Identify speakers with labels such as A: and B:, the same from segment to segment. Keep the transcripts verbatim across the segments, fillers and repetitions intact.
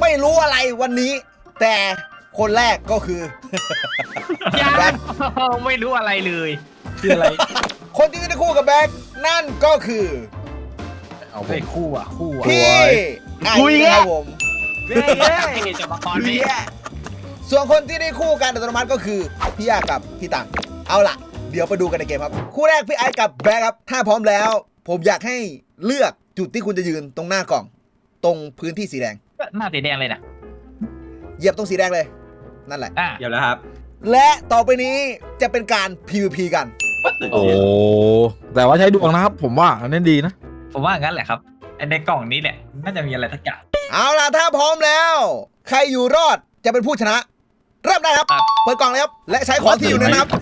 A: ไม่รู้อะไรวันนี้ แต่คนแรกก็คือ
B: ยัง
A: แบ็ค
B: ไม่รู้อะไรเลย
C: คืออะไร
A: คนที่ได้คู่กับแบ็คนั่นก็คือ
C: เอาผ
B: เฮ้ย
C: ม
B: คู่อ่ะคู่อ่ะ
A: พี่ไอ้
C: คุย
A: นะครับผม
B: เฮ้ยเฮ้ยจะมาคอนพี่
A: ส่วนคนที่ได้คู่กันอัตโนมัติก็คือพี่อากับพี่ตังเอาล่ะ เดี๋ยวไปดูกันในเกมครับคู่แรกพี่ไอ้กับแบ็คครับถ้าพร้อมแล้ว ผมอยากให้เลือกจุดที่คุณจะยืนตรงหน้ากล่อง ตรงพื้นที่สีแดง
B: หน้าสีแดงเลยนะ
A: เหยียบตรงสีแดงเลย นั่นแหละ
B: อ่ะ
C: เดี๋ยวแล้วครับ
A: และต่อไปนี้จะเป็นการ พี วี พี กัน
C: โอ้แต่ว่าใช้ดวงนะครับ ผมว่าอันนี้ดีนะ
B: ผมว่างั้นแหละครับไอ้ในกล่องนี้แหละน่าจะมีอะไรสักอย่าง
A: เอาล่ะถ้าพร้อมแล้ว ใครอยู่รอดจะเป็นผู้ชนะ เริ่มได้ครับ เปิดกล่องเลยครับ และใช้ของที่อยู่ในนะครับ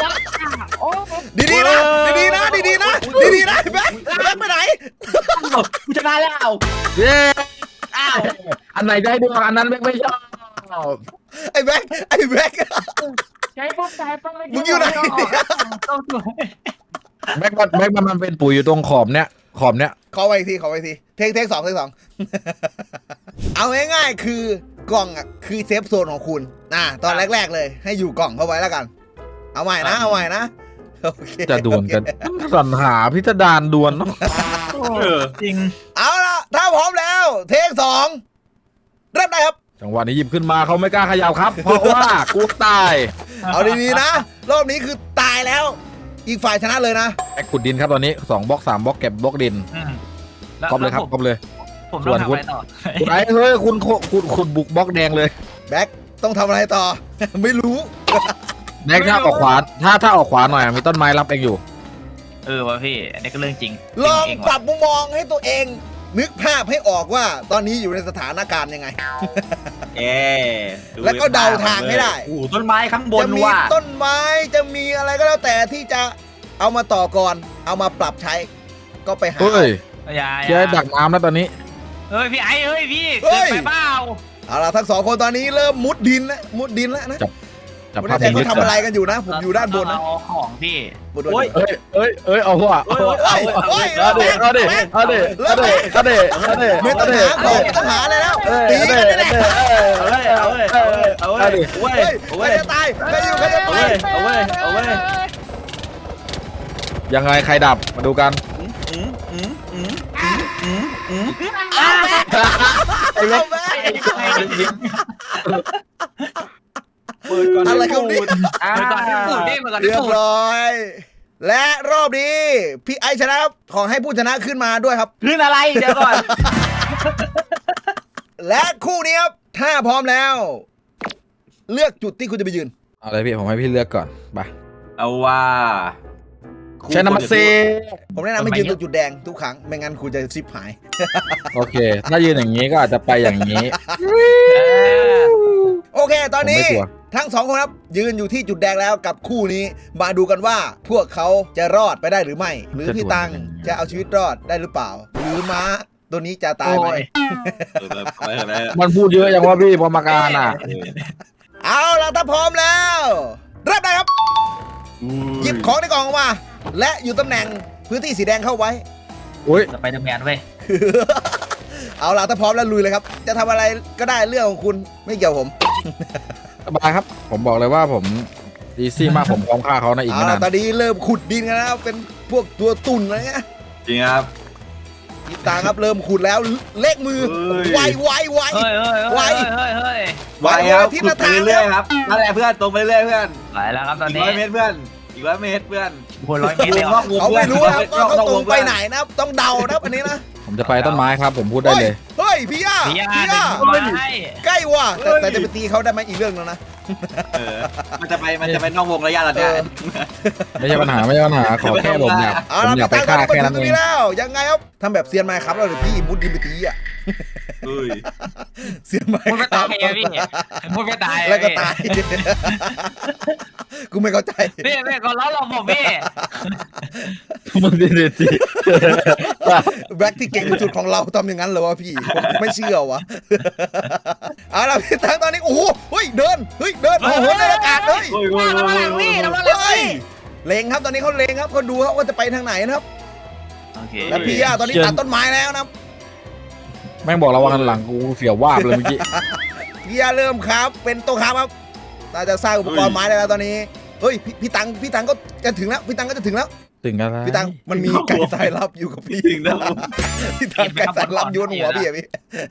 A: ดีๆนะ ดีๆนะ ดีๆนะ ดีๆนะแบ็คแบ็คไปไหน
C: กูชนะแล้วเย้อ้าวอันไหนได้ดวงอันนั้นไม่ไม่ชอบ
A: ไอ้แบ็คไอ้แบ็ค
B: ใช้ปุ๊บใช้ปุ๊บ
A: มึงอยู่ไหน
B: ต้องสวย
C: แบ็คมันแบ็คมันมันเป็นปุ๋ยอยู่ตรงขอบเนี้ยขอบเนี้ย
A: ขอไปอีกทีขอไปอีกทีเทคเทคสองเทคสอง เอาง่ายๆคือกล่องอ่ะคือเซฟโซนของคุณอ่าตอนแรกๆเลย ให้อยู่กล่องเข้าไว้แล้วกัน เอาใหม่นะเอาใหม่นะโอเค
C: จะดวลกันสรรหาพิสดารดวลเนาะ
B: จริง
A: เอาล่ะถ้าพร้อมแล้ว เทคสองเริ่มได้ครับ
C: จังหวะนี้หยิบขึ้นมาเขาไม่กล้าเขยับครับ เพราะว่ากูตาย
A: เอาดีๆนะ รอบนี้คือตายแล้ว อีกฝ่ายชนะเลยนะ
C: แบ็คขุดดินครับตอนนี้สองบล็อกสามบล็อกเก็บบล็อกดิน
B: อืม
C: ครบเลยครับครบเลย
B: ผมต้องทำอะไรต่อ
C: คุณไอ้เฮ้ยคุณคุณคุณบุกบล็อกแดงเลย
A: แบ็คต้องทำอะไรต่อ ไม่รู้
C: แบ็คถ้าออกขวาถ้าถ้าออกขวาหน่อยมีต้นไม้รับเองอยู่
B: เออวะพี่อันนี้ก็เรื่องจริง
A: ลอง
B: จริง
A: ปรับมุมมองให้ตัวเอง นึกภาพให้ออกว่าตอนนี้อยู่ในสถานการณ์ยังไง
D: เอ๊ดู
A: แล้วก็เดาทางให้ได้
D: โอ้โหต้นไม้ข้างบน
A: จะมี
D: ว่ะ
A: ต้นไม้จะมีอะไรก็แล้วแต่ที่จะเอามาต่อก่อน เอามาปรับใช้ ก็ไปหา
C: เฮ้ย
B: อย่า
C: เชื่อดักน้ำแล้วตอนนี้
B: เฮ้ยพี่ไอ้เฮ้ยพี่
A: เฮ้
B: เกิน
A: ย
B: ไปเปล่า
A: เอาล่ะทั้งสองคนตอนนี้เริ่มมุดดินแล้วมุดดินแล้วนะ
C: จับ
A: ไม่
C: ภาพ
A: แน่ใจ
C: นี้
A: เขาทำอะไรกันอยู่นะ ผมอยู่ด้านบนนะ
B: เอาของพี่
A: บนบน
D: โอ้ย
C: เอ้ยเอ้ยเอ้ยเอาหัวเอาหัว
A: เอ้ยเอ้ย
C: เอาเด็เอาเด็เอาเด็เอาเด็เอาเด็เอาเด็
A: ไม่ต้องหาของไม่ต้องหาอะไรแล้วตี
C: เอา
A: กัน
C: เด็
A: นี่แหละ
D: เอาเว้ยเอาเว้ยเอาเว้ยเอาเว้ยเอาเว้ย
A: เฮ้ย
D: เอา
A: ใคร
D: เว้ย
A: จะตายใครอยู่ใครจะ
D: เอา
A: ตา
D: เว้
A: ย
D: ยเอาเว้ยเอาเว้ย
C: ยังไงใครดับมาดูกัน
D: อืมอืมอืมอืมอืมอืม
A: เอาแม่เอาแม่
D: เปิดก่อน
A: อะไรครับเนี่ย
D: อ่า
B: เมื่อก่อนที่พูดนี่เมื่อก่อน
A: เรี
B: ที่
A: ยบ
B: พูด
A: ร้อย และรอบนี้พี่ไอชนะครับขอให้ผู้ชนะขึ้นมาด้วยครับ
D: ขึ้นอะไรเดี๋ยวก่อน
A: และคู่นี้ครับถ้าพร้อมแล้ว เลือกจุดที่คุณจะไปยืน
C: เอาเลยพี่ผมให้พี่เลือกก่อนไป
D: เอาว่า
C: ใช้น้ำมันเซ
A: ผมแนะนำให้ยืนตรงจุดแดงทุกครั้งไม่งั้นคุณจะซิปหาย
C: โอเค ถ้ายืนอย่างนี้ก็อาจจะไปอย่างนี้
A: โอเค ตอนนี้
C: ผมไม่กลัว
A: ทั้งสองคนครับ ยืนอยู่ที่จุดแดงแล้วกับคู่นี้ มาดูกันว่าพวกเขาจะรอดไปได้หรือไม่ หรือพี่ตังจะเอาชีวิตรอดได้หรือเปล่า หรือม้าตัวนี้จะตายไหม
B: โอ้ย
D: เออไปเถอะแล้ว
C: มันพูดเยอะอย่างว่าพี่พอมาการอ่ะ
A: เอาล่ะถ้าพร้อมแล้วเริ่มได้ครับ หยิบของในกล่องออกมา และอยู่ตำแหน่งพื้นที่สีแดงเข้าไว้
C: อุ้ย
B: สไปเดอร์แมนเว้ย
A: เอาล่ะถ้าพร้อมแล้วลุยเลยครับ จะทำอะไรก็ได้เรื่องของคุณไม่เกี่ยวผม
C: สบายครับ ผมบอกเลยว่าผมอีซี่มากผมพร้อมฆ่าเขานะอีก
A: เอา
C: ไม่
A: ล่ะ
C: นาน
A: ตอนนี้เริ่มขุดดินกันแล้วเป็นพวกตัวตุ่นอะไรเงี้ย
D: จริงครับ
A: พี่ตังครับเริ่มขุดแล้วเลขมือ
D: เฮ้ย
A: ไวไวไว
B: เฮ้ยเฮ้ย
A: ไว
B: เฮ้ยเฮ้ยเฮ้ย
A: ไว
D: ไปครับ
A: ที่
D: ขุ
A: ละ
D: ดไป
A: ทาง
D: เรื่อยๆครับนั่นแหละเพื่อนตรงไปเรื่อยๆเพื่อน
B: ไปแล้วครับตอน
D: อีก
B: นี้
D: ร้อยเมตรเพื่อนอีกร้อยเมตรเพื่อน
B: คนร้อยเมตรเลยเหรอ
A: เขาไม่รู้นะครับว่าเขาตรงไปไหนนะครับต้องเดานะครับอันนี้นะ
C: ผมจะไปต้นไม้ครับ ผมพูดได้เลย
A: เฮ้ยพี่ย่า
B: พี่ยา
A: พี่
B: เดิ
A: ย่าน
B: มาให้
A: ใกล้ว่ะแต่แต่จะไปตีเขาได้ไหมอีกเรื่องนึงนะ
D: เออมันจะไปมันจะไปนอกวงระยะระยะ
C: ไม่ใช่ปัญหาไม่ใช่ปัญหาขอแค่ผมอยาก
A: เอา
C: ผม
A: ล่ะ
C: อยากไป
A: พี่ตัง
C: ฆ่า
A: ตอน
C: แค่
A: นี้
C: นั้น
A: มาถึงตรง
C: เอง
A: นี้แล้วยังไงครับทำแบบเซียนไมค์ครับแล้วเดี๋ยวพี่มุดดินไปตีอ่ะ
D: เฮ้ย
A: เซียนไมค์
B: มุดไม่
A: ครั
B: ตา
A: บ
B: ยอะพี่มุดไม่ตายอะ
A: แล้วก็
B: พี่
A: ตาย กูไม่เข้าใจ
B: พี่พี่ก็ล้อหลอกผมพี่
C: มึงดีดีจี
A: แบ็คที่เก่งที่สุดของเราทำอย่างนั้นเหรอวะพี่ผมไม่เชื่อวะเอาล่ะพี่ตังตอนนี้โอ้โหเฮ้ยเดินเฮ้ยเดินโอ้โหในอากาศเลย
D: เฮ้ยเฮ้ย
B: ระวังหลังพี่ระวังหลัง
A: เฮ้ย
B: พี่
A: เลงครับตอนนี้เขาเลงครับเขาดูครับว่าจะไปทางไหนนะครับ
B: โอเค
A: แล้วพี่ย่าตอนนี้ตัดต้นไม้แล้วนะครับ
C: แม่งบอกเราว่าหันหลังกูเสียววาบเลยเมื่อกี้
A: พี่ยาเริ่มครับเป็นโต๊ะครับครับน่าจะสร้างอุปกรณ์ไม้ได้แล้วตอนนี้เฮ้ยพี่พี่ตังพี่ตังก็จะถึงแล้วพี่ตังก็จะถึงแล้ว
C: ถึงอะไร
A: พี่ตังมันมีไก่สายลับอยู่กับพี่
D: ถึงแล้ว
A: พี่ตังไก่สายลับโยนหัวพี่อะพี่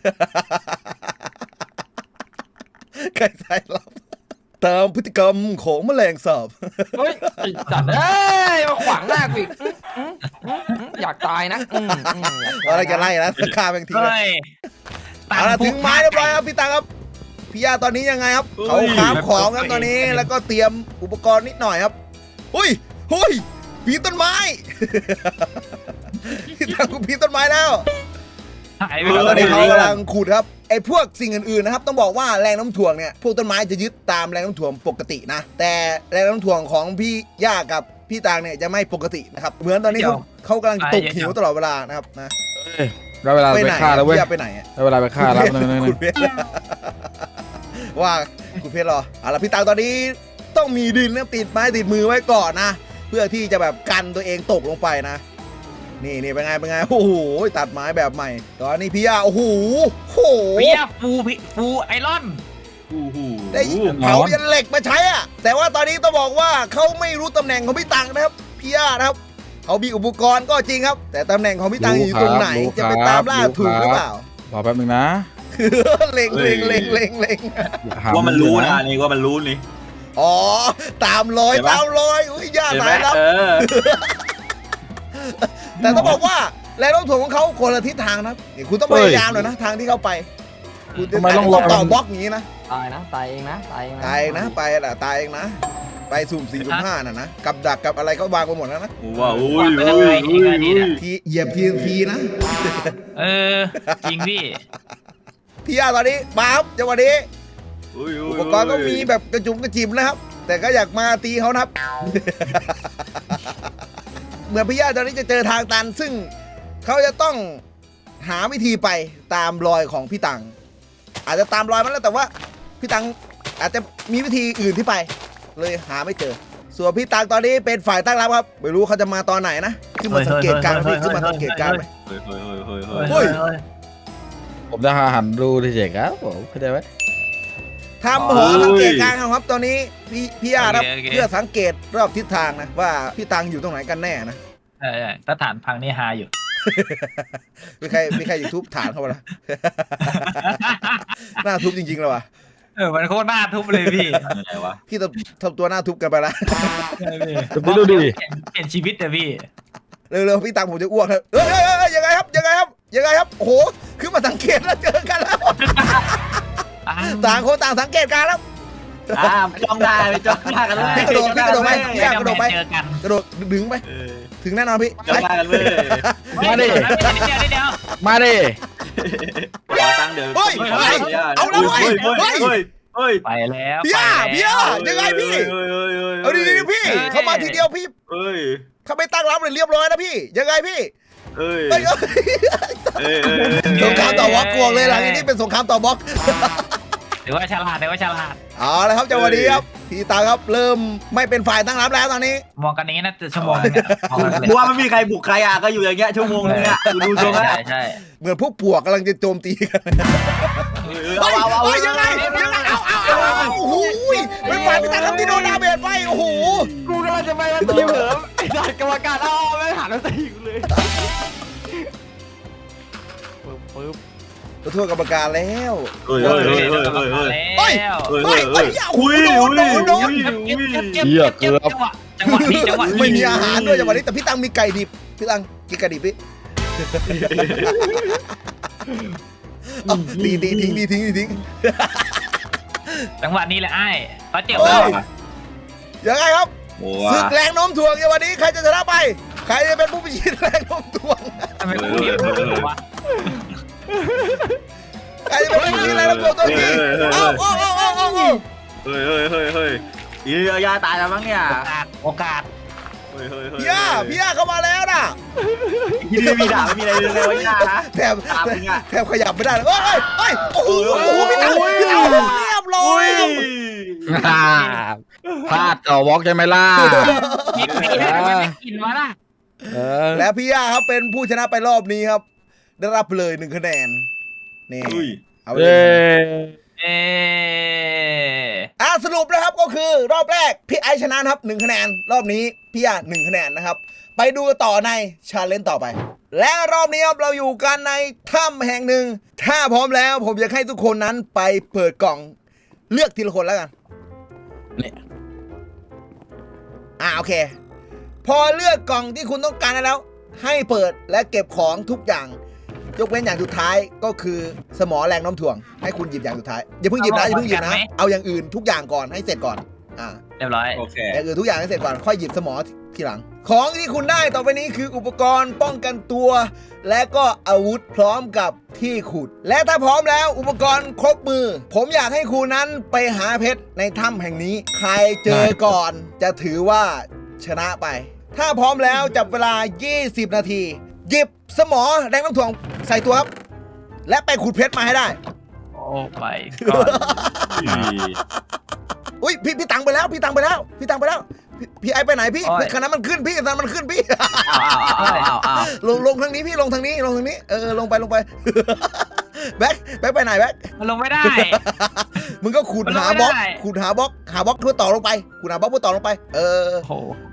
A: ไก่สายลับตามพฤติกรรมของแมลงสาบ
E: เฮ้ยไอ้สัตว์เอ้ยมาขวางหน้ากูอีกอื้ออื้ออื้ออื้ออยากตายนะอื้ออื้ออยากตาย
A: อะไรจะไล่นะฆ่าแม่งทิ้งเลย
B: เฮ้ย
A: เอาละถึงไม้เรียบร้อยครับพี่ตังครับพี่ยาตอนนี้ยังไงครับเขาคราฟของครับตอนนี้แล้วก็เตรียมอุปกรณ์นิดหน่อยครับหุ้ยหุ้ยปีนต้นไม้ พี่ตังกูปีนต้นไม้แล้ว
B: หายไป
A: ต
B: เล
A: อน
B: ย
A: นี้เขากำลังขุดครับไอ้พวกสิ่งอื่นๆนะครับต้องบอกว่าแรงโน้ำถ่วงเนี่ยพวกต้นไม้จะยึดตามแรงโน้ำถ่วงปกตินะแต่แรงโน้ำถ่วงของพี่ย่ากับพี่ตังเนี่ยจะไม่ปกตินะครับเหมือนตอนนี้เขาเขากำลังตกหิวตลอดเวลานะครับนะ
C: เอ้ยได้เวลา
A: ไป
C: ไป
A: ไหน
C: ฆ่าแล้วเว้ย
A: พี่ย่าไปไหนอะ
C: ได้เวลาไปฆ่าแล้วนึงนึง
A: คุณเพชรว่าคุณเพชรรอเอาละพี่ตังตอนนี้ต้องมีดินนะติดไม้ติดมือไว้ก่อนนะ เพื่อที่จะแบบกันตัวเองตกลงไปนะ นี่นี่เป็นไงเป็นไงโอ้โหตัดไม้แบบใหม่ ตอนนี้พี่ยาโอ้โหโอ้โห
B: เปียฟูพี่ฟูไอรอน
D: อู้หู
A: ได้เผายันเหล็กมาใช้อะแต่ว่าตอนนี้ต้องบอกว่าเขาไม่รู้ตำแหน่งของพี่ตังนะครับพี่ยานะครับเขามีอุปกรณ์ก็จริงครับ แต่ตำแหน่งของพี่ตังอยู่ตรงไหนจะไปตามล่าถูกหรือเปล่า
C: รอแป๊บนึงนะ
A: เล็งเล็งเล็งเล็งเล็ง
C: หา
D: ว่ามันรู้นะอันนี่ว่ามันรู้นี่
A: อ๋อตามรอย
D: เห็นปะ
A: ตามรอยอุ้ยย่า
D: เห็นไหม
A: ตายแล้ว
D: เออ
A: แต่ต้องบอกว่าแรงโน้มถ่วงของเขาคนละทิศทางนะนี่คุณต้องพยายามหน่อยนะทางที่เขาไปคุณจะ
C: ทำไมต้องรอ
A: ต่อบล็อกอย่างนี้นะ
E: ตายนะตายเองนะตายเองนะ
A: ตายเองนะไปแหละตายเองนะ ไปสุ่มสี่สุ่มห้าน่ะนะกับดักกับอะไรก็วางไปหมดแล้วนะ
D: ว้าวอุ้ยอุ้ยอุ้ยอุ้ย
A: ทีเหยียบทีทีนะ
B: เออจริงพี่
A: พี่ยาตอนนี้มาครับจังหวะนี้
D: อุ้ย
A: อุปกรณ์ก็มีแบบกระจุมกระจิมนะครับ แต่ก็อยากมาตีเขานะครับ เหมือนพี่ยาตอนนี้จะเจอทางตันซึ่งเขาจะต้องหาวิธีไปตามรอยของพี่ตังอาจจะตามรอยมันแล้วแต่ว่าพี่ตังอาจจะมีวิธีอื่นที่ไป เลยหาไม่เจอ ส่วนพี่ตังตอนนี้เป็นฝ่ายตั้งรับครับไม่รู้เขาจะมาตอนไหนนะขึ้นมาสังเกตการณ์ไหมขึ้นมาสังเกตการณ์ไหม
D: เฮ้ยเฮ้ยเฮ้ยเฮ้ย
A: เฮ้ย
C: ผมจะหาหันดูที่เจ๋งครับผมเข้าใจไหม
A: ทำหอสังเกตการณ์ครับตอนนี้พี่พี่ยาครับเพื่อสังเกตรอบทิศทางนะว่าพี่ตังอยู่ตรงไหนกันแน่นะ
B: ใช่ใช่ถ้าฐานพังนี่ฮาอยู่
A: มีใครมีใครอยู่ทุบฐานเขาปะล่ะ หน้าทุบจริงๆเลยว่ะ
B: เออมันโคตรน่าทุบเลยพี่
D: อะไรวะ
A: พี่ทำทำตัวหน้าทุบกันไปละ
C: ไปดูดิ
B: เปลี่ยนชีวิตเลยพี่
A: เร็วๆพี่ตังผมจะอ้วกครับเอ้ยเอ้ยเอ้ยยังไงครับยังไงครับยังไงครับโอ้โหขึ้นมาสังเกตแล้วเจอกันแล้วต่างคนต่างสังเกตการณ์ครับ
D: อ่าไม่จ้องได้ไม่จ้องหน้ากันเลย
A: พี่กระโดดพี่กระโดดไปพี่ยากระโดดไป
B: เจอกัน
A: กระโดดดึงไป
D: เออ
A: ถึงแน่นอนพี่
D: จ้องหน้ากันเลย
C: มาดิ
B: เดี๋ยวเดี๋ยวเดี๋ยว
C: มาดิ
D: ขอตั้งเดี๋ยว
A: เฮ้ยเฮ้ยเอาแล้วเว้ย
D: เฮ้ย
A: เฮ้ย
D: เฮ้ยเฮ้ย
B: ไปแล้ว
A: พี่ย่าพี่ย่ายังไงพี่
D: เฮ้ยเฮ้ยเฮ้ย
A: เอาดีๆพี่เขามาทีเดียวพี่
D: เฮ้ย
A: เขาไม่ตั้งรับเลยเรียบร้อยนะพี่ยังไงพี่
D: เฮ้ย
A: เฮ้ยเอ้ย
D: เฮ้ย
A: สงครามต่อบล็อกกวงเลยหลังจากนี้เป็นสงครามต่อบล็อก
B: หรือว่าฉลาดหรือว่าฉลาด
A: เอาละครับจังหวะนี้ครับพี่ตาครับเริ่มไม่เป็นฝ่ายตั้งรับแล้วตอนนี้
B: มองกันอย่างนี้น่าจะชั่วโมงนึงอะมองกันเลย
D: บัวไม่มีใครบุกใครอ่ะก็อยู่อย่างเงี้ยชั่วโมงนึงอ่ะดูทรง
B: ใช่
D: อ่ะ
B: ใช่ใช่
A: เหมือนพวกปวกกำลังจะโจมตีกัน
D: เอา
A: เฮ้ย
D: เอาเอา
A: เฮ้ยยังไงยังไงเอาเอาเอาเอาโอ้โหเป็นฝ่ายพี่ตาครับที่โดนดาเมจไปโอ้โห
E: กูกำลังจะไปมันทีมเหิมไอ้สัตว์กรรมการอ้าวไม่หันมาตีกูเลยปึ๊บปึ๊บ
A: ขอโทษกรรมการแล้ว
D: เฮ้ยเฮ้ยเฮ้ยเฮ้ยเฮ้ยเฮ้ย
A: เฮ้ย
B: แล้ว
A: เฮ้ยเฮ้ยโอ้โห
D: อุ้ย
A: โด
D: อุ้
A: น
D: ย
A: โดนโดน
B: เก็บเก็บเก็บเก็บเก็บจังหวะจังหวะนี้จังหวะนี้
A: ไม่มีอาหารด้วยจังหวะนี้แต่พี่ตังมีไก่ดิบพี่ตังกินไก่ดิบพี่เอาดีดีทิ้งดีทิ้งดีทิ้ง
B: จังหวะนี้แหละไอ้เขาเจ็บแล้ว
A: ยังไงครับ
D: โอ้
A: ศึกแรงโน้มถ่วงในวันนี้ใครจะชนะไป ใครจะเป็นผู้พิชิตแรงโน้มถ่วง
B: ทำไมกูเรียกมึงวะ
A: ใครจะเป็นผู้พิชิตแรงโน้มถ่วงตัวจริงเอาเอาเอาเอาเอาเอา
D: เฮ้ยเฮ้ยเฮ้ยเฮ้ยอียาตายแล้วมั้งเนี่ย
B: โอกาสโอกาส
D: เฮ้ยเฮ้ยเฮ้ย
A: พี่ย่าพี่ย่าเข้ามาแล้วนะ
D: ที่นี่มีดาบไม่มีอะไรเลยเลยวะย่านะ
A: แถบ
D: ตามมึงอะ
A: แถบขยับไม่ได้เลยเฮ้ยเฮ้ยโอ้โหโอ้โหพี่ตังพี่ตังเรียบร้อย
C: พลาดต่อวอล์กใช่ไหมล่ะ
B: กินไม่ได้ทำไมไม่กินวะล่ะ
C: เออ
A: และพี่ย่าครับเป็นผู้ชนะไปรอบนี้ครับ ได้รับเลยหนึ่งคะแนนนี่
D: อุ้ย
A: เอาไป
C: เย้
A: เลย
B: เอ๊ะ
A: อ่ะสรุปนะครับก็คือรอบแรกพี่ไอชนะนะครับหนึ่งคะแนนรอบนี้พี่อาหนึ่งคะแนนนะครับไปดูกันต่อในชาเลนจ์ต่อไป และรอบนี้ครับเราอยู่กันในถ้ำแห่งหนึ่งถ้าพร้อมแล้วผมอยากให้ทุกคนนั้นไปเปิดกล่องเลือกทีละคนแล้วกัน
C: นี่
A: อ่าโอเค พอเลือกกล่องที่คุณต้องการได้แล้ว ให้เปิดและเก็บของทุกอย่าง ยกเว้นอย่างสุดท้ายก็คือสมอแรงโน้มถ่วงให้คุณหยิบอย่างสุดท้ายอย่าเพิ่งหยิบนะอย่าเพิ่งหยิบนะเอาอย่างอื่นทุกอย่างก่อนให้เสร็จก่อนอ่า
B: เรียบร้อย
D: โอเค
A: อย่างอื่นทุกอย่างให้เสร็จก่อนค่อยหยิบสมอทีหลัง ของที่คุณได้ต่อไปนี้คืออุปกรณ์ป้องกันตัว และก็อาวุธพร้อมกับที่ขุด และถ้าพร้อมแล้วอุปกรณ์ครบมือ ผมอยากให้คุณนั้นไปหาเพชรในถ้ำแห่งนี้ ใครเจอก่อนจะถือว่าชนะไป ถ้าพร้อมแล้วจับเวลา ยี่สิบ นาที หยิบสมอแรงน้ำถ่วงใส่ตัวครับ และไปขุดเพชรมาให้ได้
B: โอ้ไปก่อน
A: อุ้ยพี่พี่ตังไปแล้วพี่ตังไปแล้วพี่ตังไปแล้วพี่พี่ไอไปไหนพี่พี่คันนั้นมันขึ้นพี่คันนั้นมันขึ้นพี่
D: อ้าวอ้าวอ้าวอ้าว
A: ลงลงทางนี้พี่ลงทางนี้ลงทางนี้เออลงไปลงไป แบ็คแบ็คไปไหนแบ็ค
B: มันลงไม่ได้
A: มึงก็ขุด
B: มันลง
A: หา
B: ไม่
A: บล็อก
B: ได้
A: ขุดหาบล็อกหาบล็อกเพื่อต่อลงไปขุดหาบล็อกเพื่อต่อลงไปเออ
B: โอ้โห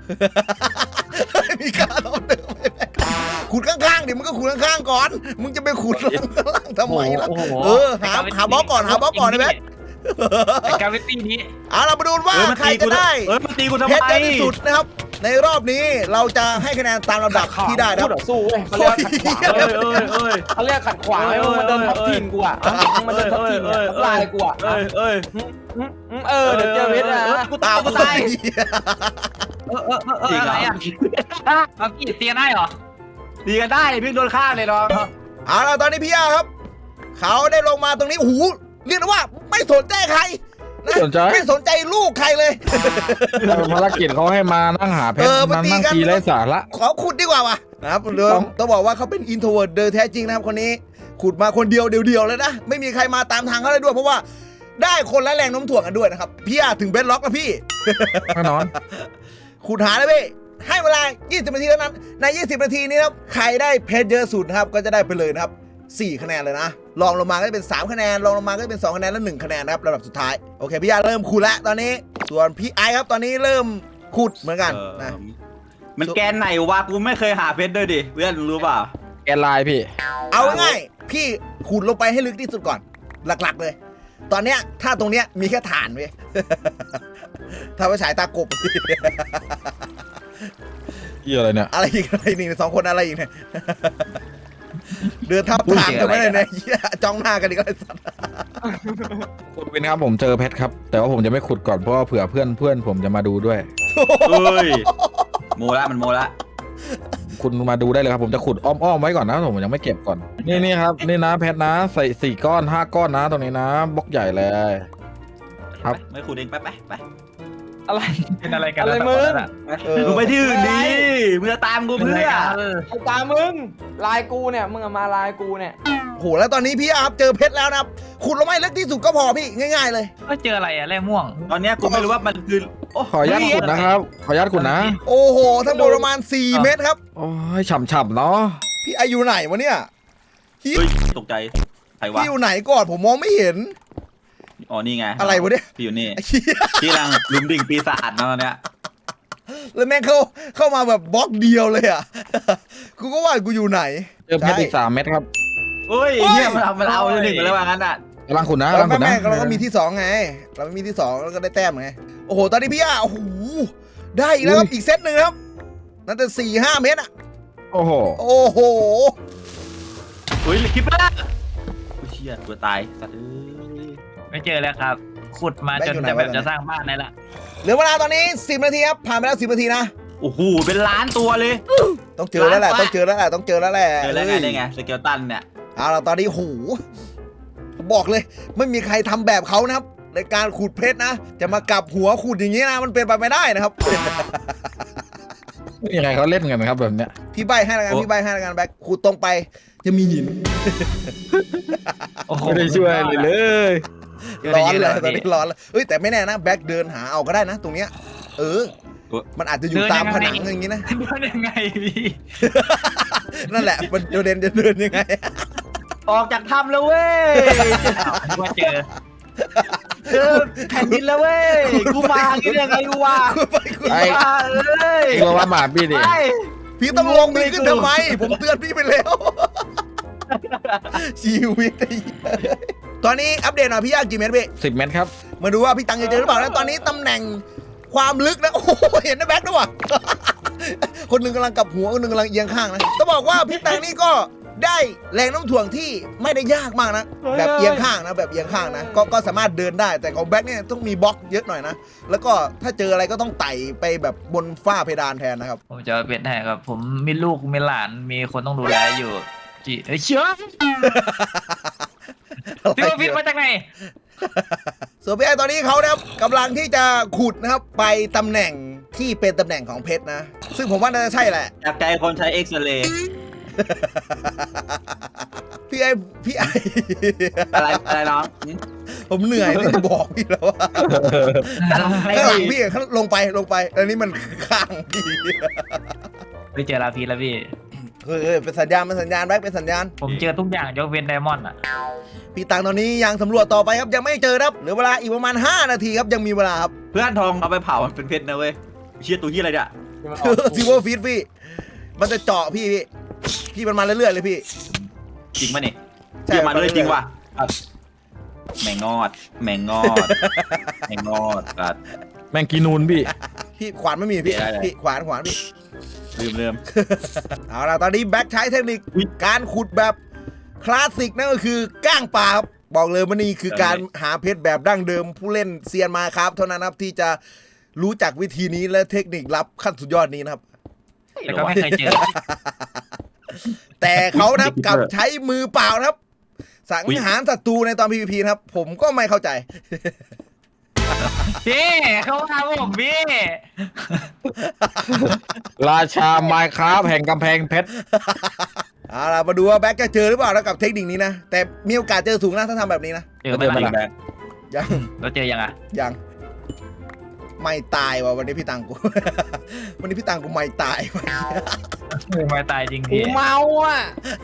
A: มีการเอาเดิมไปแบ็คขุดข้างๆดิมึงก็ขุดข้างๆก่อนมึงจะไปขุดข้างล่างทำไมล่ะ
B: โอ้โห
A: เออหาหาบล็อกก่อนหาบล็อกก่อนนะแบ็ค
B: ไอ้กาวิตี้นี้
A: เอาเรามาดูว่า
D: เออมัน
A: ใคร
D: ตีกู
A: จะได้
D: เออมันตีกูทำ
A: เพ
D: ไม
A: ชรเยอะที่สุดนะครับในรอบนี้เราจะให้คะแนนตามลำดับที่ได้นะค
E: พู
A: รับ
E: ดต่อสู้เว้ยเขาเรียกว่าขัดขวาง
D: เอ้ยเอ้ยเอ้ย
E: เขาเรียกขัดขวางเว้ยมันเดินทับทิมกูอ่ะมันเดินทับทิมอ่ะทับลายกูอ่ะ
D: เอ้ยเอ้ย
E: เออเดี๋ยวเจอเพชรนะ
D: กูตายกูตาย
B: เออเออเออเอออะไรอ่ะเอากี่เตียได้เหรอ
D: ดีกันได้พี่โดนฆ่าเลยเนาะ
A: เอาล่ะตอนนี้พี่ย่าครับ เขาได้ลงมาตรงนี้โอ้โหเรียกได้ว่าไม่สนใจใครนะ
C: สนใจ
A: ไม่สนใจลูกใครเลย
C: ภารกิจเขาให้มานั่งหาเพช
A: เอ
C: ร
A: อมา
C: มา
A: ตี
C: นั่ง
A: กัน
C: ทีไร้สาระ
A: ขอขุดดีกว่าวะนะครับเดี๋ยว
C: ต้อง
A: ต้องบอกว่าเขาเป็นอินโทรเวิร์ดโดยแท้จริงนะครับคนนี้ขุดมาคนเดียวเดียวๆเลยนะไม่มีใครมาตามทางเขาเลยด้วยเพราะว่าได้คนละแรงโน้มถ่วงกันด้วยนะครับพี่ย่าถึงเบสล็อกแล้วพี่
C: แน่นอน
A: ขุดหาเลยพี่ให้เวลา ยี่สิบ นาทีเท่านั้น ใน ยี่สิบ นาทีนี้ครับ ใครได้เพชรเยอะสุดนะครับ ก็จะได้ไปเลยนะครับ สี่ คะแนนเลยนะ รองลงมาก็จะเป็น สาม คะแนน รองลงมาก็จะเป็น สอง คะแนน และ หนึ่ง คะแนนนะครับลำดับสุดท้าย โอเค พี่ยาเริ่มขุดแล้วตอนนี้ ส่วนพี่ไอครับตอนนี้เริ่มขุดเหมือนกันนะ
D: มันแกนไหนวะกูไม่เคยหาเพชรด้วยดิเพื่อนรู้เปล่า
C: แกนไลน์พี่
A: เอาง่ายๆพี่ขุดลงไปให้ลึกที่สุดก่อน หลักๆเลย ตอนเนี้ยถ้าตรงเนี้ยมีแค่ฐานเว้ย ถ้าไปฉายตากบ
C: เหี้ยอะไรเนี่ย
A: อะไรอีกอะไรนี่สองคนอะไรอีกเนี่ย เดินทับทางกันไม่ได้เนี่ยเหี้ยจ้องหน้ากันอีกแล้วไอ้สัตว์
C: คุณวินครับผมเจอเพชรครับ แต่ว่าผมจะไม่ขุดก่อนเพราะว่าเผื่อเพื่อนเพื่อนผมจะมาดูด้วย
D: เอ้ยโมละมันโมละ
C: คุณมาดูได้เลยครับผมจะขุดอ้อมๆไว้ก่อนนะผมยังไม่เก็บก่อน นี่นี่ครับนี่นะเพชรนะใส่สี่ก้อนห้าก้อนนะตรงนี้นะบล็อกใหญ่เลย ครับ
D: ไม่ขุดเองไปไปไป
E: อะไร
B: เป็นอะไรกัน
E: อะไรมึง
A: เออ
D: มึงไปที่อื่นดิมึงจะตามกูเพื่อ
E: ไอ้ตามึงลายกูเนี่ยมึงมาลายกูเนี่ย
A: โหแล้วตอนนี้พี่อาร์ฟเจอเพชรแล้วนะครับขุดลงมาให้ลึกที่สุดก็พอพี่ง่ายๆเลย
B: ก็เจออะไรอะแร่ม่วง
D: ตอนเนี้ยกูไม่รู้ว่ามันคือโ
C: ขออนุญาตขุดนะครับขออนุญาตขุดนะ
A: โอ้โหทั้งหมดประมาณสี่เมตรครับ
C: โอ้ยฉ่ำๆเนาะ
A: พี่อายุไหนวะเนี่ยพี่
D: เฮ้ยตกใจใครวะ
A: พี่อยู่ไหนก่อนผมมองไม่เห็น
D: อ๋อนี่ไง
A: อะไรวะเนี่ย
D: พี่อยู่นี่
A: ไอ้เหี้ย
D: ที่กำลังลุมดิ่งปีศาจมาตอนเนี้ย
A: แล้วแม่งเข้าเข้ามาแบบบล็อกเดียวเลยอ่ะ กูก็ว่ากูอยู่ไหน
C: เจอเพชรอีกสามเม็ดครับ
D: เฮ้ยเนี่ยมันเอามันเอาหนึ่งไปแล้วว่างั้นอ่ะ
C: กำลังขุดนะ
A: แล้ว
C: กำลังขุดนะ
A: แม่งเราก็มีที่สองไง เราไม่มีที่สองแล้วก็ได้แต้มไงโอ้โหตอนนี้พี่อาโอ้โหได้อีกแล้วครับอีกเซตหนึ่งครับนั่นแต่สี่ห้าเมตรอ่ะ
C: โอ้โห
A: โอ้โห
D: เฮ้ยคิปเปอร์โอ้ยเชี่ยตัวตายสัตว์เอ้ย
B: ไม่เจอแล้วครับ ขุดมาจนจะแบบจะสร้างบ้านได้ละ
A: เหลือเวลาตอนนี้สิบนาทีครับผ่านไปแล้วสิบนาทีนะ
D: โอ้โหเป็นล้านตัวเลย
A: ต้องเจอแล้วแหละต้องเจอแล้วแหละต้องเจอแล้วแหละ
D: เจอแล้วไงได้ไงสเกลตันเนี่ย
A: เอาล่ะตอนนี้โหบอกเลย ไม่มีใครทำแบบเขานะครับ ในการขูดเพชรนะ จะมากลับหัวขูดอย่างนี้นะมันเป็นไปไม่ได้นะครับ
C: ไม่มีใครเขาเล่นกันนะครับแบบเนี้ย
A: พี่ใบให้ละกันพี่ใบให้ละกันแบ็คขูดตรงไปจะมีหิน
B: โอ้โห
C: ไม่ได้ช่วยเลยเลย
A: ร้อนเลยตอนนี้ร้อนเลยเอ้ยแต่ไม่แน่นะแบ็คเดินหาเอาก็ได้นะ ตรงเนี้ยเออ มันอาจจะอยู่ตามผนังอย่างนี้นะ
B: เดินยังไงพี่
A: นั่นแหละมันเดินจะเดินยังไง
D: ออกจากถ้ำแล้วเว้ย
B: ว่าเจอ
D: เจอแผ่นดินแล้วเว้ยกูมากินยังไงกูวะ
A: คุณไปคุณ
C: ไอ้
D: มาเอ้ย
C: ไอ้ตัวว่าหมาพี่ดิ
D: ไป
A: พี่ต้องลงพี่ขึ้นทำไม ผมเตือนพี่ไปแล้ว ชีวิตไอ้เหี้ยตอนนี้อัปเดตหน่อยพี่ยากกี่เมตรพี่
C: สิบเมตรครับ
A: มาดูว่าพี่ตังจะเจอหรือเปล่าแล้วตอนนี้ตำแหน่งความลึกนะโอ้โหเห็นนะแบ็คด้วยว่ะ คนหนึ่งกำลังกลับหัวคนหนึ่งกำลังเอียงข้างนะต้องบอกว่าพี่ตังนี่ก็ได้แรงโน้มถ่วงที่ไม่ได้ยากมากนะแบบเอียงข้างนะแบบเอียงข้างนะก็ก็สามารถเดินได้แต่ของแบ็คเนี่ยต้องมีบล็อกเยอะหน่อยนะแล้วก็ถ้าเจออะไรก็ต้องไต่ไปแบบบนฝ้าเพดานแทนนะครับ
B: ผมจะเป็นให้ครับ ผมมีลูกมีหลานมีคนต้องดูแลอยู่จีเอ้ยเชื่อพี่ว่าพิษมาจากไหน
A: ส่วนพี่ไอตอนนี้เขานะครับกำลังที่จะขุดนะครับไปตำแหน่งที่เป็นตำแหน่งของเพชรนะ ซึ่งผมว่าน่าจะใช่แหละ
D: จากใจคนใช้เอ็กซเรย์
A: พี่ไอพี่ไอ
D: อะไรอะไรน้อง
A: ผมเหนื่อยที่จะบอกพี่แล้วว่าข้างหลังพี่ข้างลงไปลงไปอันนี้มันข้างพี่
B: ไปเจอลาพีแล้วพี่
A: เฮ้ยเฮ้ยเป็นสัญญาณเป็นสัญญาณแบ็คเป็นสัญญาณ
B: ผมเจอทุกอย่างยกเว้นไดมอนด์อ่ะ
A: พี่ตังตอนนี้ยังสำรวจต่อไปครับยังไม่เจอครับเหลือเวลาอีกประมาณห้านาทีครับยังมีเวลาครับ
D: เพื่อนทองเอาไปเผามันเป็นเพชรนะเว้ยเชี่ยตัวที่อะไรเนี่ย
A: ซิวเวอร์ฟีดพี่มันจะเจาะพี่พี่พี่มันมาเรื่อยๆเลยพี่
D: จริงป่ะนี่
A: ใช่
D: เชี่ยมันเลยจริงว่ะแมงงอด แมงงอด แมงงอดกัด
C: แมงกีนูนพี่
A: พี่ขวานไม่มีพี่
D: ได้ได้
A: พี่ขวานขวานพี่
D: ลืมลืม
A: เอาล่ะตอนนี้แบ็คใช้เทคนิค
D: อุ๊ย
A: การขุดแบบคลาสสิกนั่นก็คือก้างปลาครับบอกเลยว่านี่คือการหาเพชรแบบดั้งเดิมผู้เล่นเซียนมาครับเท่านั้นครับที่จะรู้จักวิธีนี้และเทคนิคลับขั้นสุดยอดนี้นะครับ
B: แต่ก็ไม่เคยเจอ
A: แต่เขานะครับกลับใช้มือเปล่านะครับ สังหารศัตรูในตอน พี วี พี นะครับ ผมก็ไม่เข้าใจ
B: พี่เขามาผมพี่
C: ราชาไมค์ครับแห่งกำแพงเพชร
A: เอาล่ะมาดูว่าแบ็คจะเจอหรือเปล่านะกับเทคนิคนี้นะ แต่มีโอกาสเจอสูงนะถ้าทำแบบนี้นะ
B: เจอไม่
C: เจอไหม
B: ได้
C: ล่ะ
A: ยัง
B: เราเจอยังอ่ะ
A: ยังไม่ตายว่ะวันนี้พี่ตังกู วันนี้พี่ตังกูไม่ตายว่ะ
B: ไม่ตายจริง
E: กู
B: พี่
E: เมาอ่ะ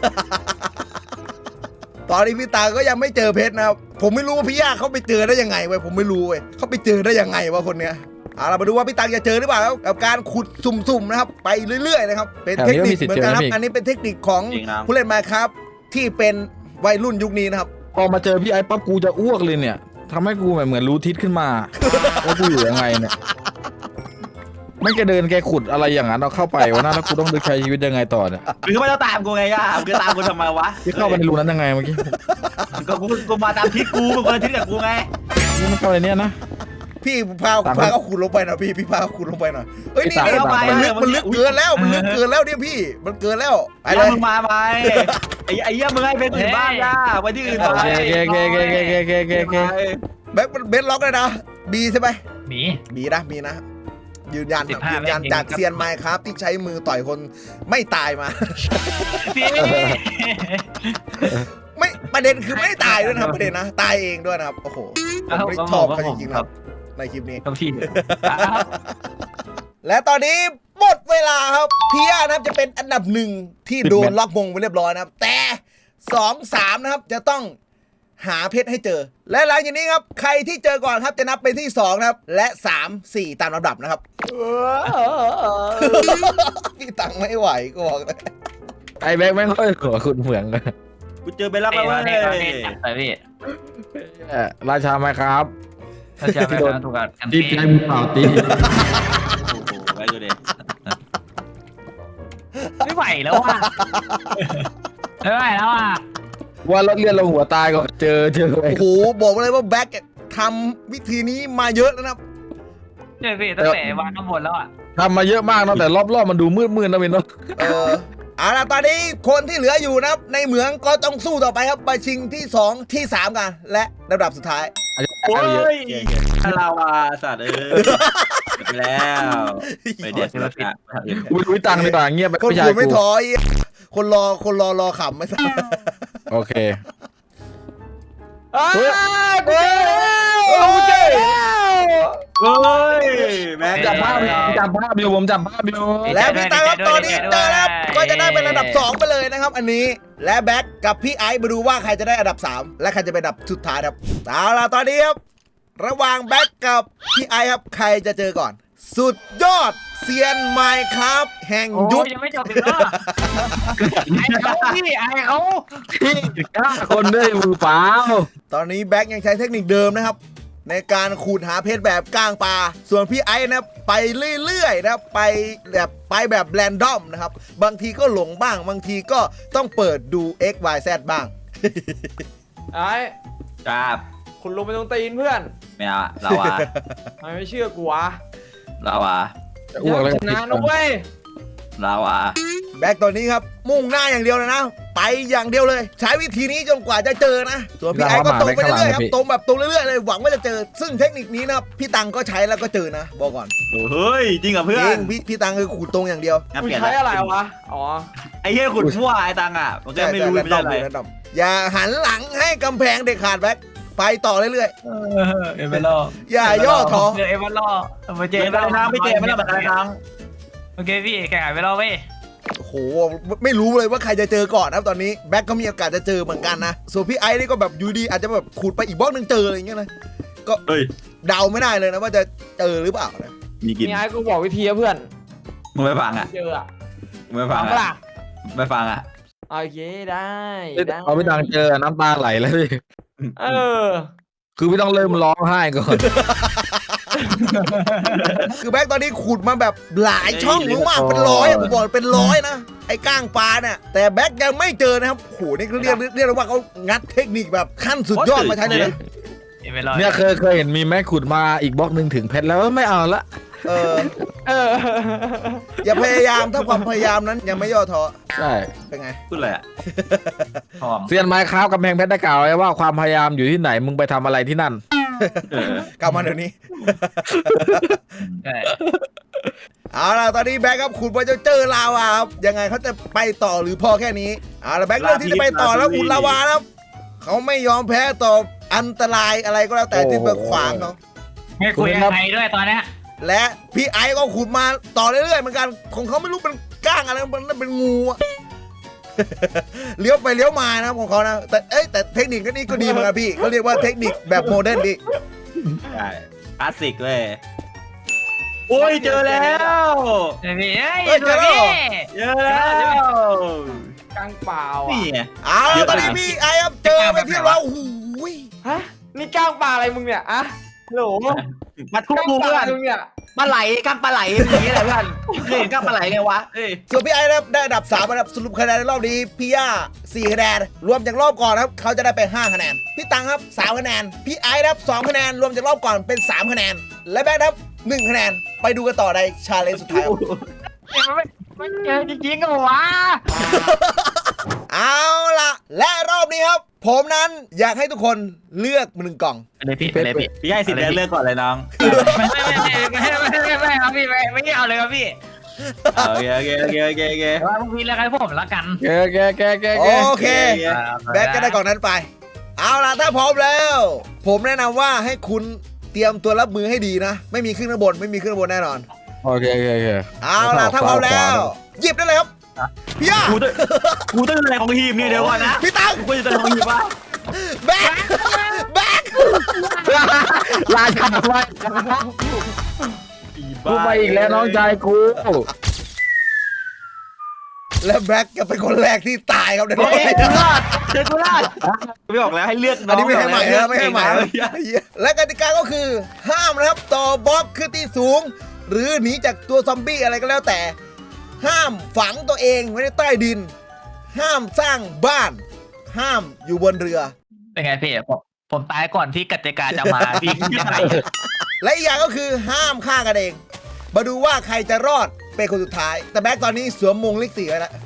A: ตอนนี้พี่ตังก็ยังไม่เจอเพชรนะครับผมไม่รู้ว่าพี่ย่าเขาไปเจอได้ยังไงเว้ยผมไม่รู้เว้ยเขาไปเจอได้ยังไงวะคนเนี้ยเอาล่ะมาดูว่าพี่ตังจะเจอหรือเปล่าครับกับการขุดสุ่มๆนะครับไปเรื่อยๆนะครับเป็นเทคนิคเหมือนกันครับอันนี้เป็นเทคนิคของ
D: จริงนะ
A: ผู้เล่นมาครับที่เป็นวัยรุ่นยุคนี้นะครับ
C: พอมาเจอพี่ไอ้ปั๊บกูจะอ้วกเลยเนี่ยทำให้กูแบบเหมือนรู้ทิศขึ้นมา ว่ากูอยู่ยังไงเนี่ยไม่แกเดินแกขุดอะไรอย่างนั้นเอาเข้าไปวะนะแล้วกูต้องใช้ชีวิตยังไงต่อเนี่ย
D: หรือไม่ต้องตามกูไงย่ามึงจะตามกูทำไมวะ
C: พี่เข้าไปในรูนั้นยังไงเมื่อกี้
D: ก็กูกูมาตามทิศกูมึงคนละทิศกับกูไง
C: นี่มันเข้าในเนี้ยนะ
A: พี่พา
C: ตาม
A: พาเขาขุดลงไปหน่อยพี่พี่พาเขาขุดลงไปหน่อยเฮ้ยนี่
C: ตาม
A: นี่
C: ตาม
A: มันลึกมันลึกเกินแล้วมันลึกเกินแล้วเนี่ยพี่มันเกินแล้วไป
D: ไอ้
A: เลย
D: มึงมาไหมไอ้ไอ้เหี้ยมึงให้เพชรอื่นบ้างย่าไปที่อื่น
C: โอ
D: ไป
C: เคโอเคโอเคโอเคโอเคโอเคโอเคโอเค
A: แบ็คเบนล็อกเลยนะบีใช่ไหม
B: หมี
A: บีนะมีนะยืนยัน
B: สิบห้า
A: ยืนยัน
B: เมตร
A: จากเซียนไมค์ครับที่ใช้มือต่อยคนไม่ตายมา
B: พี่
A: ไม่ประเด็นคือไม่ได้ตายด้วยนะครับประเด็นนะตายเองด้วยนะครับโอ้โหผมไม่ชอบเขาจริงๆนะครับในคลิปนี้
B: กับพี่
A: และตอนนี้หมดเวลาครับเพียนะครับจะเป็นอันดับหนึ่งที่โดนล็อกมงไปเรียบร้อยนะครับ แต่สองสามนะครับจะต้องหาเพชรให้เจอ และหลังจากนี้ครับใครที่เจอก่อนครับจะนับเป็นที่สองนะครับและสาม สี่ตามลำดับนะครับ พี่ตังไม่ไหวก็บอกเลย
C: ไอ้แบงค์ไม่ค่อยหัวคุณเหมืองเลย
D: กูเจอไปแล้ว
B: เอ้
D: เว้
B: ย
D: ย
B: นี่เราเนี่ยจับไปพี่
C: เอ่อราชาไมค์ครับ
B: เราจะไปกันถูกกัน
C: ตี
B: พี่
C: ใจมือเปล่าตี
D: โอ้โหไว้ดูดิ
B: ไม่ไหวแล้วอ่ะไม่ไหวแล้วอ่ะ
C: ว่ารถเลื่อนลงหัวตายก็เจอเจอไอ้
A: โอ้โหบอกเลยว่าแบ็คทำวิธีนี้มาเยอะแล้วนะครับ
B: เจอพี่ตั้งแต่วางข้างบนแล้วอ่ะ
C: ทำมาเยอะมากเนาะแต่รอบๆมันดูมืดๆนะเวนเนาะ
A: เออเอาล่ะตอนนี้คนที่เหลืออยู่นะครับในเหมืองก็ต้องสู้ต่อไปครับไปชิงที่สองที่สามกัน และลำดับสุดท้าย
C: อันนี้
D: โอ้
C: อันนี้เยอะ
D: ยลาวาสัตว์เอ้ยไปแล้วไปเด็ดศิลปะ
C: กูไม่รู้ตังค์ดีกว่าเงียบไป
A: คน
C: พี่ชา
A: คุ
C: ย
A: ยไม่
C: กู
A: ถอยคนรอคนรอรอขำไม่ทราบ
C: โอเค
E: อ้าว
C: เฮ้ย
E: กูเจอแล้วกูเจอแล้ว
D: เฮ้ยแม็ก
C: จับภาพอยู่จับภาพอยู่ผมจับภาพอยู่
A: และพี่ตังครับตอนนี้เจอแล้วก็จะได้เป็นระดับสองไปเลยนะครับอันนี้และแบ็คกับพี่ไอซ์มาดูว่าใครจะได้อันดับสามและใครจะเป็นอันดับสุดท้ายครับเอาล่ะตอนนี้ครับระหว่างแบ็คกับพี่ไอซ์ครับใครจะเจอก่อน สุดยอดเซียนไมค์ครับแห่ง
B: โอ้
A: ยุค
B: ยยังไม่จบอีกเหรอไอ้เขาพี่ไอ้เขา
C: พี่กล้าคนด้วยมือเปล่า
A: ตอนนี้แบ็คยังใช้เทคนิคเดิมนะครับในการขูดหาเพชรแบบก้างปลาส่วนพี่ไอซ์นะไปเรื่อยๆนะครับไปแบบไปแบบแรนดอมนะครับบางทีก็หลงบ้างบางทีก็ต้องเปิดดู X Y Z บ้าง
E: ไอ้
D: จับ
E: คุณลงไปตรงตีนเพื่อน
D: ไม่เอาอะเราอะ
E: ทำไมไม่เชื่อกูวะ
D: เราอะ
C: จะอ้วกแล้ว
E: ชนะนะเว้ย
D: เราอะ
A: แบ็คตอนนี้ครับมุ่งหน้าอย่างเดียวเลยนะ ไปอย่างเดียวเลย ใช้วิธีนี้จนกว่าจะเจอนะ ส่วนพี่ไอ้ก็ตรงไปเรื่อยๆครับตรงแบบตรงเรื่อยๆเลยหวังว่าจะเจอ ซึ่งเทคนิคนี้นะครับพี่ตังก็ใช้แล้วก็เจอนะบอกก่อน
D: เฮ้ยจริงเหรอเพื่อ
A: จริ
D: น
A: งพี่พี่ตังคือขูดตรงอย่างเดียว
D: งั้น
E: กู
D: เปลี่ยน
E: ใช้อะไรวะ อ๋อ
D: ไอ้เหี้ยขุดมั่วไอ้ตังอะมันก็ไม่รู้
A: แร
D: ไม่
A: นด
D: ได้
A: อม
D: อะไร
A: แรนดอมอย่าหันหลังให้กำแพงเด็ดขาดแบ็คไปต่อเรื่อย
B: เอ็มเบลล์
A: ๆอย่าย่อท้อ
B: เจอเอ็มเบลล์มาเจ
D: เจ
B: อ
D: ไปทางไม่เจไม่ต้องไปทาง
B: โอเคพี่แข่งไปแล้วเว้ย
A: โอ้โหไม่รู้เลยว่าใครจะเจอก่อนนะครับตอนนี้แบ็คก็มีโอกาสจะเจอเหมือนกันนะส่วนพี่ไอ้นี่ก็แบบอยู่ดีอาจจะแบบขูดไปอีกบล็อกหนึงเจออะไรอย่างเงี้ยนะก็
D: เฮ้ย
A: เดาไม่ได้เลยนะว่าจะเจอหรือเปล่านะ
D: มีกิน
E: นี่ไอ้กูบอกวิธีอะเพื่อน
D: มึงไม่ฟังอะ
E: เจออะ
D: มึงไม่ฟัง
E: ทำปะ
D: อะ
E: ล่ะ
D: ไม่ฟังอะ
E: โอเคได้ได้
C: เอาพี่ตังเจอน้ำตาไหลแล้วพี่
E: เออ
C: คือพี่ต้องเริ่มร้องไห้ก่อน
A: คือแบ็คตอนนี้ขุดมาแบบหลายช่องมากๆเป็นร้อยอะผมบอกเลยเป็นร้อยนะไอ้ก้างปลาเนี่ยแต่แบ็คยังไม่เจอนะครับโอ้โหนี่เขาเรียกเรียกได้ว่าเขางัดเทคนิคแบบขั้นสุดยอดมาใช้เลยนะ
B: เอ็มเบลล์
C: เนี่ยเคยเคยเห็นมีแม่ขุดมาอีกบล็อกหนึ่งถึงเพชรแล้วไม่เอาละ
A: เออ
E: เออ
A: อย่าพยายามถ้าความพยายามนั้นยังไม่ย่อท้อ
C: ใช่
A: เป็นไง
D: พูดอะไรอะหอม
C: เซียนไม้ค้าวกำแพงเพชรได้กล่าวไว้ว่าความพยายามอยู่ที่ไหนมึงไปทำอะไรที่นั่น
D: เออก
A: ลับมาเดี๋ยวนี้
B: ใช่
A: เอาล่ะตอนนี้แบ็คครับขุดไปจะเจอลาวาครับยังไงเขาจะไปต่อหรือพอแค่นี้เอาล่ะแบ็คเลือกที่จะไปต่อแล้วอุดลาวาแล้วเขาไม่ยอมแพ้ต่ออันตรายอะไรก็แล้วแต่ที่มาขวางเขา
B: ไม่คุยกับใครด้วยตอนเนี้ย
A: และพี่ไอซ์ก็ขุดมาต่อเรื่อยๆเหมือนกันของเขาไม่รู้เป็นก้างอะไรมันเป็นงูอะ เลี้ยวไปเลี้ยวมานะของเขานะแต่เอ้ยแต่เทคนิคก็นี่ก็ดีเหมือนกันพี่เขาเรียกว่าเทคนิคแบบโมเดิร์นดิ
D: ใช่คลาสสิกเลยโอ้ยเจอแล้ว
B: เฮ้ยพี่เฮ้ยตัวพี่
D: เจอแล้ว
E: กลางเปล่า
D: นี่
E: อ่ะ
D: ไง
A: เอาล่ะตอนนี้พี่ไอซ์ครับเจอไปที่เราโอ้โหย
E: ฮะ นี่กลางปลาอะไรมึงเนี่ยอะโหล
D: มาทุก
E: กลาง
D: มุม
E: ปลา
D: เพื่อ
E: อะ
D: น
E: ไรมึงเนี่ย
D: ปลาไหลกั้งปลาไหลอย่างนี้แหละเพื่อนเคยเห็นกั้งปลาไหลไงวะเอ้ย
A: ส่วนพี่ไอซ์นะครับได้อันดับสามอันดับสรุปคะแนนในรอบนี้พี่ย่าสี่คะแนนรวมจากรอบก่อนนะครับเขาจะได้ไปห้าคะแนนพี่ตังครับสามคะแนนพี่ไอซ์นะครับสองคะแนนรวมจากรอบก่อนเป็นสามคะแนนและแบ็คนะครับหนึ่งคะแนนไปดูกันต่อในชาเลนจ์สุดท้ายครับ
B: ไม่ไม่เจอจริงๆก็วะ
A: เอาล่ะ และรอบนี้ครับ ผมนั้นอยากให้ทุกคนเลือกหนึ่งกล่อง
B: เลยพี่เลยพี่
D: พี่ให้สิทธิ์เลือกก่อนเลยน้อง
B: ไม่ไม่ไม่ไม่ไม่ไม่ไม่ครับพี่ไม่ไม่เอาเลยครับพี่
D: โอเคโอเคโอเคโอเคโอเค
B: ว่าพวกพี่เลือกให้ผมละกัน
C: แกแกแกแกแก
A: โอเค แบ็คก็ได้กล่องนั้นไป เอาล่ะ ถ้าพร้อมแล้ว ผมแนะนำว่าให้คุณเตรียมตัวรับมือให้ดีนะ ไม่มีขึ้นข้างบน ไม่มีขึ้นข้างบนแน่นอน
C: โอเคโอเคโอเค
A: เอาล่ะ ถ้าพร้อมแล้ว หยิบได้เลยครับ พี่ย่า
D: กูต้องกูต้องอะไรของทีมเนี่ยเดี๋ยวก่อนนะ
A: พี่ตัง
D: กูจะต้องของทีมวะ
A: แบ็คแบ็ค
C: ราชาไปกูไปอีกแล้วน้องชายกู
A: และแบ็คจะเป็นคนแรกที่ตายครับในรอบ
D: เฮ้ย
A: นี้
D: กูรอดเจอกูรอดไม่บอกแล้วให้เลือก
A: อันนี้ไม่ให้ใหม่นะไม่ให้ใหม่
D: นะ
A: นะและกติกาก็คือห้ามนะครับต่อบล็อกขึ้นที่สูง หรือหนีจากตัวซอมบี้อะไรก็แล้วแต่ ห้ามฝังตัวเองไว้ในใต้ดิน ห้ามสร้างบ้าน ห้ามอยู่บนเรือ
B: เป็นไงพี่ผมผมตายก่อนที่กติกาจะมาพี่ยังไง
A: และอีกอย่างก็คือห้ามฆ่ากันเอง มาดูว่าใครจะรอดเป็นคนสุดท้าย แต่แบ็คตอนนี้สวมมงเลขสี่ไว้แล้ว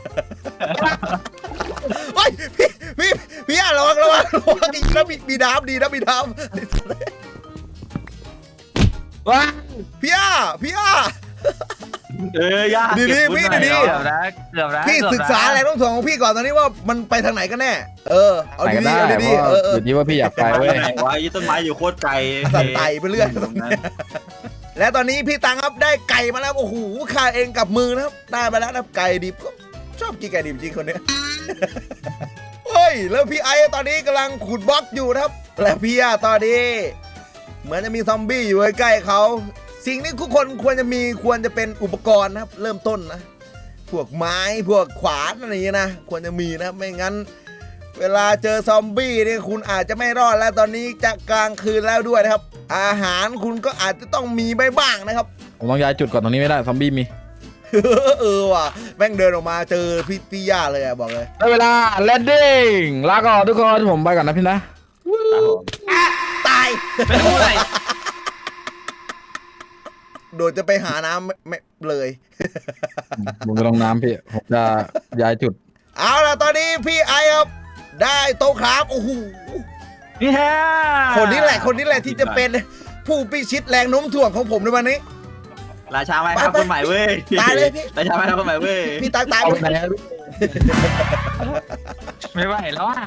A: เฮ้ยพี่พี่พี่อ่ะระวังระวังระวังอีกนะมีมีน้ำดีนะมีน้ำ
C: ว้า
A: พี่อ่ะพี่อ่ะ
D: เออยาก
A: ดีๆ
D: เก็บวุ้น
A: พี่
D: หน่อย
A: ดี
B: เกือบนะเกือบนะ
A: พี่
B: เอบนะ
A: ศึกษาแรงโน้มถ่วงของพี่ก่อนตอนนี้ว่ามันไปทางไหนกันแน่เออเอา
C: ไหนก็
A: ดี
C: ได้
A: ๆเอา
C: เพ
A: ดี
C: ราะ
A: ๆเออเอ
C: อ
A: อยู่
C: ที่ว่าพี่อยากไปเว้ย
D: ไหนวะยี่ต้นไม้อยู่โคตรไกล
A: สัตว์ไต่ไปเรื่อย
D: ตรงนั้น
A: และตอนนี้พี่ตังครับได้ไก่มาแล้วโอ้โหข่าเองกับมือนะครับได้มาแล้วนะไก่ดิบก็ชอบกินไก่ดิบจริงคนเนี้ย เฮ้ยแล้วพี่ไอตอนนี้กำลังขุดบล็อกอยู่นะครับและพี่อะตอนนี้เหมือนจะมีซอมบี้อยู่ใกล้ๆเขาสิ่งที่ทุกคนควรจะมีควรจะเป็นอุปกรณ์นะครับเริ่มต้นนะพวกไม้พวกขวานอะไรอย่างเงี้ยนะควรจะมีนะไม่งั้น เวลาเจอซอมบี้นี่คุณอาจจะไม่รอดแล้วตอนนี้จะกลางคืนแล้วด้วยนะครับ อาหารคุณก็อาจจะต้องมีไปบ้างนะครับ
C: ผมต้องย้ายจุดก่อนตรงนี้ไม่ได้ซอมบี้มี
A: เออว่ะแม่งเดินออกมาเจอพี่พี่ย่าเลยอะบอกเลย
C: ได้เวลาแลนดิ้งลาก่อนทุกคนผมไปก่อนนะพี่นะ
A: ตาย
B: ไม่พูดอะไร
A: โดดจะไปหาน้ำไม่ไม่เลย
C: ผมจะลงน้ำพี่ผมจะย้ายจุด
A: เอาล่ะตอนนี้พี่ไอครับได้โต๊ะครับโอ้โห
D: นี่ฮะ
A: คนนี้แหละคนนี้แหละที่จะเป็นผู้พิชิตแรงโน้มถ่วงของผมในวันนี้
D: ราชาไม้ครับคนใหม่เว้ย
A: ตายเลยพี่
D: ราชาไม้ครับคนใหม่เว้ย
A: พี่ตายตาย
C: เอา
A: ไป
C: ไปไหนอะ
B: ไม่ไหวแล้วอ่ะ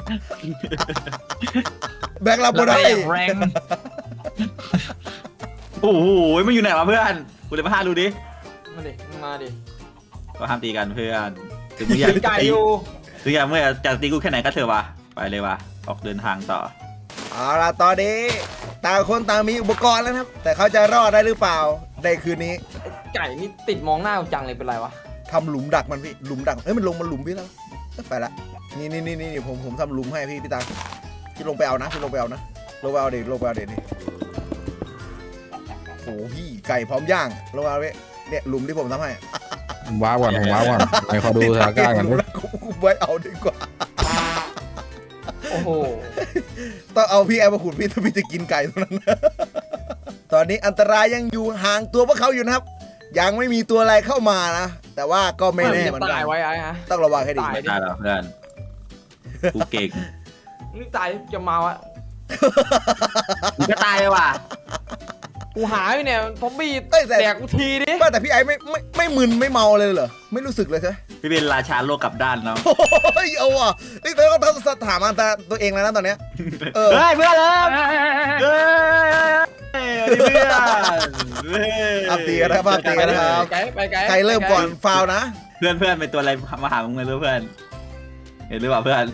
A: แบงค์เราบ่ได้
B: แรง
D: โอ้โหมันอยู่ไหนวะเพื่อนกูเลยมาห้าดูดิ
E: มาดิมาดิ
D: ก็ห้ามตีกันเพื่อนถึงมึงอยาก
E: ไก่อยู่
D: ถึงอยากเมื่อจะตีกูแค่ไหนก็เถอะวะไปเลยวะออกเดินทางต่อ
A: เอาล่ะตอนนี้ต่างคนต่างมีอุปกรณ์แล้วนะครับ แต่เขาจะรอดได้หรือเปล่าในคืนนี้
E: ไก่นี่ติดมองหน้ากูจังเลยเป็นไรวะ
A: ทำหลุมดักมันพี่หลุมดักเอ้ยมันลงมันหลุมพี่แล้วไปละนี่นี่นี่นี่ผมผมทำหลุมให้พี่พี่ตังพี่ลงไปเอานะพี่ลงไปเอานะลงไปเอาเด็กลงไปเอาเด็กนี่โอ้โหพี่ไก่พร้อมย่างลงมาเอาพี่เนี่ยหลุมที่ผมทำให้
C: ผมว้าก่อนผมว้าก่อนไปขอดูสถานการณ์ก่อน
A: หลุมแล้วกูกูไว้เอาดีกว่า
E: โอ้โห
A: ต้องเอาพี่แอมมาขุดพี่ถ้าพี่จะกินไก่ตัวนั้น ตอนนี้อันตรายยังอยู่ห่างตัวพวกเขาอยู่นะครับ ยังไม่มีตัวอะไรเข้ามานะ แต่ว่าก็ไม่แน่เหมือนกั
E: ตาย
A: น
E: ไว้ไอ้ฮะ
A: ต้องระวังให้ดี
E: ตาย
D: ไม่ได้หรอเพื่อนกูเก่ง
E: นี่ตายจะมาวะ
D: กูก็ตายเลยว่ะ
E: กูหายไปเนี่ยซอมบี้
A: เอ้ยแต่
E: แดกกูทีดิ
A: ว่าแต่พี่ไอ้ไม่ไม่ไม่มึนไม่เมาเลยเหรอไม่รู้สึกเลยใช่ไหม
D: พี่เป็นราชาโลกกลับด้านเนาะ
A: โอ้ยเอาว่ะนี่เธอก็ต้องถามอันตราตัวเองแล้วนะตอนเนี้ยเออ
D: เฮ้ยเพื่อนเลยเฮ้ยเพื่อน
A: อัพตีกันนะครับอัพตีกันนะครับ
E: ไกลไปไกล
A: ใครเริ่มก่อนฟาวนะ
D: เพื่อนเพื่อนเป็นตัวอะไรมาหามึงเลยเพื่อนเห็นหรือเปล่าเพื่อน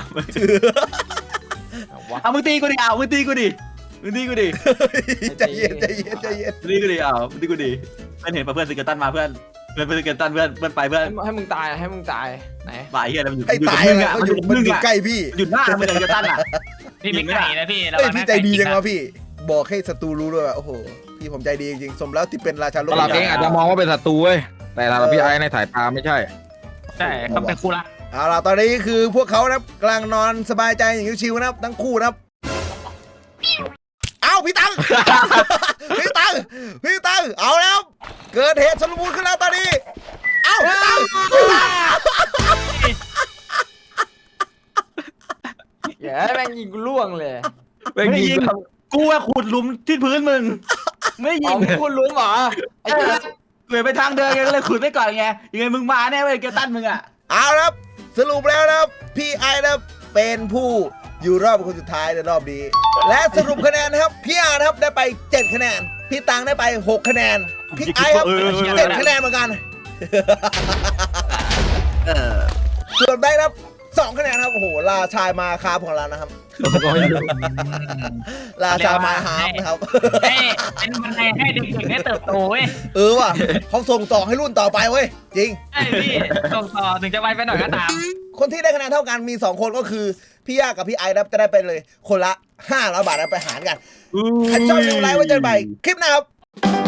D: เอามึงตีกูดิเอามึงตีกูดิมึงตีกูดิ
A: ใจเย็นใจเย็นใจเย็น
D: มึงตีกูดิเอามึงตีกูดิเพื่อนเห็นป่ะเพื่อนสเกลตันมาเพื่อนเพื่อนเพื่อนสเกลตันเพื่อนเพื่อนไปเพื่อน
E: ให้ให้มึงตายให้มึงตายไหน
D: บ่ายเฮียอะไรมันอยู่
A: ให้
D: อยู่
A: ตา
D: กับ
A: ย
D: มึง
A: เลย
D: อ่ะ
A: เขา
D: มัน
A: อ
D: อยู่ ยู่
A: มัน
D: มึง
A: อยู่
D: อ่ะ
A: ใกล้พี่
D: หยุดหน้ามึงสเกลตันอ่ะ
B: พี่ไม่ไก่นะพี่ระ
A: เอ้ย
B: วัง
A: พี่
B: นะ
A: ใจดีจัง
B: ไก่
A: วะพี่ บอกให้ศัตรูรู้ด้วยว่าโอ้โหพี่ผมใจดีจริงๆสมแล้วที่เป็นราชาโลก
C: ตลาดเองอาจจะมองว่าเป็นศัตรูเว้ยแต่สำหรับพี่ไอ้ในสายตาไม่ใช่
B: ใช่เขาเป็นคู่รัก
A: เอาล่ะตอนนี้คือพวกเขานะครับกำลังนอนสบายใจอย่างชิวๆนะครับทั้งคู่นะครับเอ้าพี่ตัง พี่ตังพี่ตังเอาแล้วเกิดเหตุสลมุนขึ้นแล้วตอนนี้เอ้าพี่ตังพี่ตัง
E: อย่าแม่งยิงกูล่วงเลย
D: ไม่ได้ยิงกูว่าขุดหลุมที่พื้นมึงไม่ยิ
E: เอา
D: ง
E: กูรู้เหรอไอ้เจ้า
D: เกิดไปทางเดินไงก็เลยขุดไปก่อนไงยังไงมึงมาแน่เว้ยเกลตันมึงอ่ะ
A: เอาละครับสรุปแล้วนะครับพี่ไอนะครับเป็นผู้อยู่รอบคนสุดท้ายในรอบนี้และสรุปคะแนนนะครับพี่อาร์นะครับได้ไปเจ็ดคะแนนพี่ตังได้ไปหกคะแนนพี่ไอครับเจ็ดคะแนนเหมือนกัน
D: เออ
A: ส่วนแบงค์นะครับสองคะแนนครับโอ้โหราชายมาคาบของเรานะครับ ราชามาฮาร์ฟนะครับ
B: ให้เป็นบันไดให้เด็กๆได้เติบโตเว้ย
A: เออว่ะเขาส่งต่อให้รุ่นต่อไปเว้ยจริง
B: ใช่พี่ส่งต่อถึงจะไวไปหน่อยก็ตาม
A: คนที่ได้คะแนนเท่ากันมีสองคนก็คือพี่ย่ากับพี่ไอนะครับจะได้ไปเลยคนละห้าร้อยบาทนะไปหารกันใครชอบดูไลฟ์ไว้เจอกันใหม่คลิปหน้าครับ